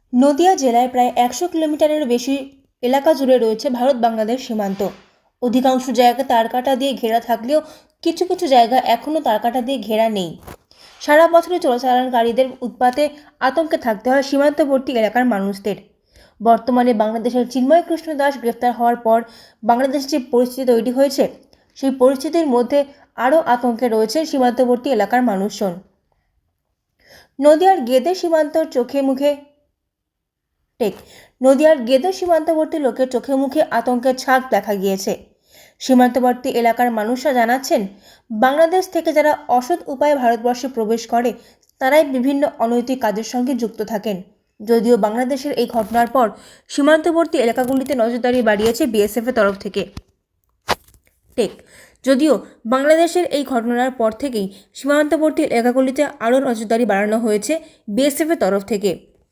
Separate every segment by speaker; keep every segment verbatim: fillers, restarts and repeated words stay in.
Speaker 1: নদিয়া জেলায় প্রায় একশো কিলোমিটারের বেশি এলাকা জুড়ে রয়েছে ভারত বাংলাদেশ সীমান্ত। অধিকাংশ জায়গা তারকাটা দিয়ে ঘেরা থাকলেও কিছু কিছু জায়গা এখনও তারকাটা দিয়ে ঘেরা নেই। সারা বছরই চোরাচালানকারীদের উৎপাতে আতঙ্কে থাকতে হয় সীমান্তবর্তী এলাকার মানুষদের। বর্তমানে বাংলাদেশের চিন্ময় কৃষ্ণ দাস গ্রেফতার হওয়ার পর বাংলাদেশে যে পরিস্থিতি তৈরি হয়েছে, সেই পরিস্থিতির মধ্যে আরও আতঙ্কে রয়েছে সীমান্তবর্তী এলাকার মানুষজন। নদিয়ার গেদে সীমান্তর চোখে মুখে টেক নদিয়ার গেদে সীমান্তবর্তী লোকের চোখে মুখে আতঙ্কের ছাপ দেখা গিয়েছে। সীমান্তবর্তী এলাকার মানুষরা জানাচ্ছেন, বাংলাদেশ থেকে যারা অসৎ উপায়ে ভারতবর্ষে প্রবেশ করে তারাই বিভিন্ন অনৈতিক কাজের সঙ্গে যুক্ত থাকেন। যদিও বাংলাদেশের এই ঘটনার পর সীমান্তবর্তী এলাকাগুলিতে নজরদারি বাড়িয়েছে বিএসএফ এর তরফ থেকে। টেক যদিও বাংলাদেশের এই ঘটনার পর থেকেই সীমান্তবর্তী এলাকাগুলিতে আরও নজরদারি বাড়ানো হয়েছে বিএসএফ এর তরফ থেকে।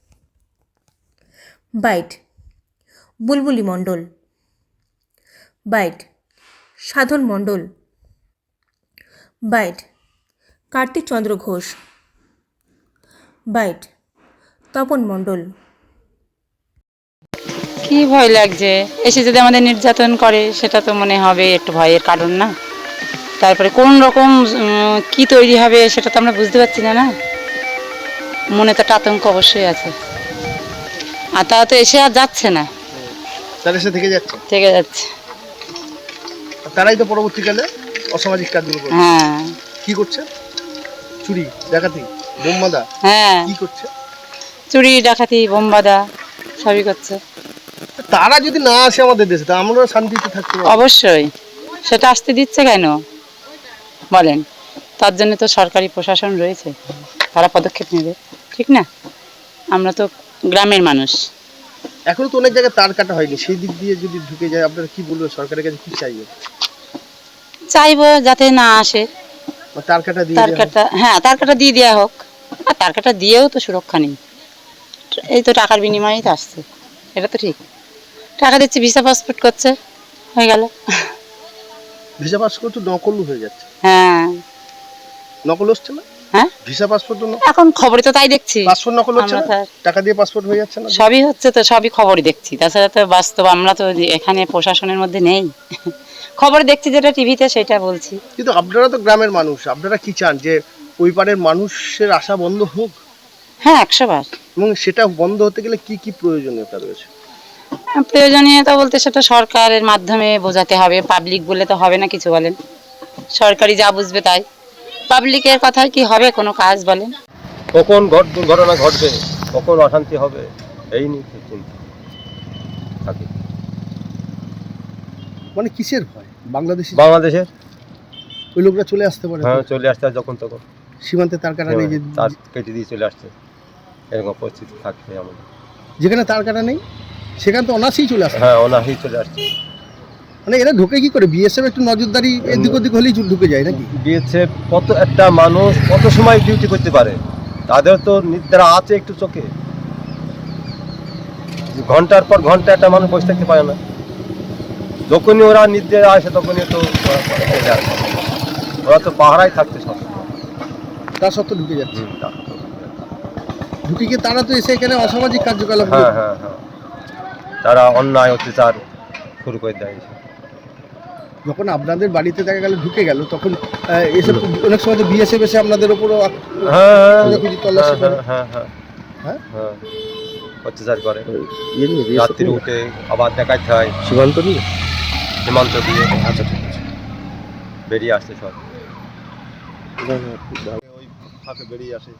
Speaker 1: Byte Bulbuli Mondal, byte Sadhan Mondal, byte Kartik Chandra Ghosh, byte Tapan Mondal.
Speaker 2: কি ভয় লাগছে, এসে যদি আমাদের নির্যাতন করে সেটা তো মনে হবে একটু ভয়ের কারণ না। তারপরে কোন রকম কি তৈরি হবে সেটা তো আমরা বুঝতে পারছি না না মনে তো একটা আতঙ্ক অবশ্যই আছে। আর তারা তো এসে আর যাচ্ছে না,
Speaker 3: তারা এসে থেকে যাচ্ছে
Speaker 2: থেকে যাচ্ছে
Speaker 3: তারাই তো পরবর্তীকালে অসামাজিক কাজগুলো করছে।
Speaker 2: হ্যাঁ
Speaker 3: কি করছে? চুরি ডাকাতি বোমবাদা
Speaker 2: হ্যাঁ
Speaker 3: কি করছে?
Speaker 2: চুরি ডাকাতি বোমবাদা সবই করছে।
Speaker 3: তারা যদি না আসে আমাদের দেশে তা আমরা শান্তিতে থাকতে পারবো?
Speaker 2: অবশ্যই সেটা আসতে দিচ্ছে কেন বলেন? তার জন্য তো সরকারি প্রশাসন রয়েছে, তারা পদক্ষেপ নেবে, ঠিক না? আমরা তো গ্রামের মানুষ।
Speaker 3: এখনো তো অনেক জায়গায় তার কাটা হয়নি, সেই দিক দিয়ে যদি ঢুকে যায় আপনারা কি বলবেন? সরকারের কাছে কি চাইবেন?
Speaker 2: চাইবো যাতে না আসে,
Speaker 3: বা তার কাটা দিয়ে
Speaker 2: তার
Speaker 3: দেওয়া হোক।
Speaker 2: কাটা হ্যাঁ তার কাটা দিয়ে দেওয়া হোক। আর তার কাটা দিয়েও তো সুরক্ষা নেই, এই তো টাকার বিনিময়েই তো আসছে, এটা তো ঠিক। টাকা দিচ্ছে, ভিসা পাসপোর্ট করছে, হয়ে গেল।
Speaker 3: ভিসা পাসপোর্ট তো নকল হয়ে যাচ্ছে।
Speaker 2: হ্যাঁ
Speaker 3: নকল হচ্ছে না?
Speaker 2: হ্যাঁ
Speaker 3: ভিসা পাসপোর্ট তো
Speaker 2: এখন খবরে তো তাই দেখছি,
Speaker 3: পাসপোর্ট নকল হচ্ছে
Speaker 2: আমরা
Speaker 3: না?
Speaker 2: তো-
Speaker 3: টাকা দিয়ে পাসপোর্ট হয়ে যাচ্ছে না?
Speaker 2: সবই হচ্ছে তো, সবই খবরই দেখছি, তাছাড়া তো বাস্তব আমরা তো এখানে প্রশাসনের মধ্যে নেই। খবরে দেখছি যেটা টিভিতে সেটা বলছি।
Speaker 3: কিন্তু আপনারা তো গ্রামের মানুষ, আপনারা কি চান যে ওই পারের মানুষের আশা বন্ধ হোক?
Speaker 2: হ্যাঁ একশো বার।
Speaker 3: এবং সেটা বন্ধ হতে গেলে কি কি প্রয়োজনীয়তা রয়েছে?
Speaker 2: প্রয়োজনীয়তা বলতে সেটা সরকারের মাধ্যমে বোঝাতে হবে, পাবলিক বলে তো হবে না কিছু, বলেন? সরকারি যা বুঝবে তাই, পাবলিকের কথায় কি হবে কোনো কাজ বলেন?
Speaker 4: কখন ঘট দুর্ঘটনা ঘটবে, কখন অশান্তি হবে, এই নিয়ে খুব চিন্তা থাকে।
Speaker 3: মানে কিসের ভয়? বাংলাদেশি
Speaker 4: বাংলাদেশের
Speaker 3: ওই লোকরা চলে আসতে পারে তো?
Speaker 4: হ্যাঁ চলে আসছে আর যখন তখন
Speaker 3: সীমান্তে তার কাটা নেই যে
Speaker 4: তার কেটে দিয়ে চলে আসছে, এরকম পরিস্থিতি থাকছে আমাদের।
Speaker 3: যেখানে তার কাটা নেই সেখানে তো অনাসেই চলে আসে।
Speaker 4: হ্যাঁ অনাহি চলে আসছে।
Speaker 3: মানে এরা ঢোকে কি করে? বিএসএফ একটু নজরদারি এদিক ওদিক হলেই ঢুকে যায় নাকি?
Speaker 4: গিয়েছে কত একটা মানুষ কত সময় ডিউটি করতে পারে, তাদের তো নিদ্রা আছে একটু চোখে, ঘন্টার পর ঘন্টা একটা মানুষ বসে থাকতে পারে না। যখনই ওরা নিদ্রা আসে তখনই তো ওরা চলে আসে। ওরা তো পাহারায় থাকছে সব।
Speaker 3: তার সত্ত্বেও ঢুকে যাচ্ছে।
Speaker 4: হুম, তা-
Speaker 3: ঢুকে গিয়ে তারা তো এসে এখানে অসামাজিক কার্যকলাপ
Speaker 4: হ্যাঁ হ্যাঁ হ্যাঁ তারা অন্যায় অত্যাচার শুরু করে দেয়।
Speaker 3: যখন আপনাদের বাড়িতে দেখা গেল ঢুকে গেল তখন আহ, এসে অনেক সময় তো বিএসএফ এসে আপনাদের উপরও আক-
Speaker 4: হ্যাঁ
Speaker 3: খোঁজাখুঁজি তল্লাশি করে।
Speaker 4: হ্যাঁ হ্যাঁ
Speaker 3: হ্যাঁ?
Speaker 4: হ্যাঁ অত্যাচার করে,
Speaker 3: ইয়ে নিয়ে
Speaker 4: রাত্রি উঠে আবার দেখাতে হয়
Speaker 3: সীমান্ত নিয়ে।
Speaker 4: সীমান্ত দিয়ে
Speaker 3: আচ্ছা ঠিক আছে।
Speaker 4: বেরিয়ে আসছে সব, ওই ফাঁকে বেরিয়ে আসে।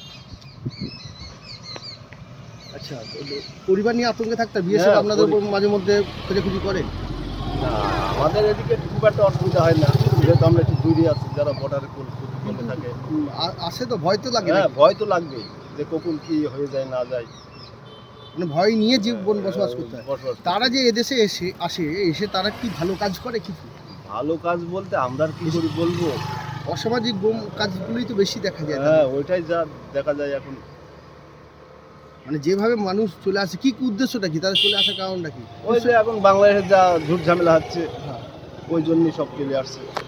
Speaker 3: আচ্ছা তো পরিবার নিয়ে আতঙ্কে থাকতে বিএসএফ
Speaker 4: হ্যাঁ,
Speaker 3: আপনাদের উপর
Speaker 4: পরি-
Speaker 3: মাঝে মধ্যে খোঁজাখুঁজি করে?
Speaker 4: না আমাদের এদিকে খুব একটা অসুবিধা হয় না, যেহেতু আমরা একটু দূরে আছি, যারা বর্ডারে করতে থাকে।
Speaker 3: উম, আ- আসে তো ভয় তো লাগে
Speaker 4: হ্যাঁ
Speaker 3: নাকি?
Speaker 4: ভয় তো লাগবেই, যে কখন কি হয়ে যায় না যায়।
Speaker 3: মানে ভয় নিয়ে জীবন বসবাস করতে হয়।
Speaker 4: বসবাস করতে
Speaker 3: তারা
Speaker 4: হয়।
Speaker 3: যে এদেশে এসে আসে এসে তারা কি ভালো কাজ করে কিছু?
Speaker 4: ভালো কাজ বলতে আমরা আর কি করে বলবো।
Speaker 3: অসামাজিক বোম কাজগুলোই তো বেশি দেখা যায়
Speaker 4: হ্যাঁ
Speaker 3: তাদের।
Speaker 4: ওইটাই যা দেখা যায় এখন।
Speaker 3: মানে যেভাবে মানুষ চলে আসে কি উদ্দেশ্যটা কি তাদের চলে আসার কারণটা কি?
Speaker 4: ওই যে এখন বাংলাদেশে যা ঝুট ঝামেলা হচ্ছে, ওই জন্যই সব চলে আসছে।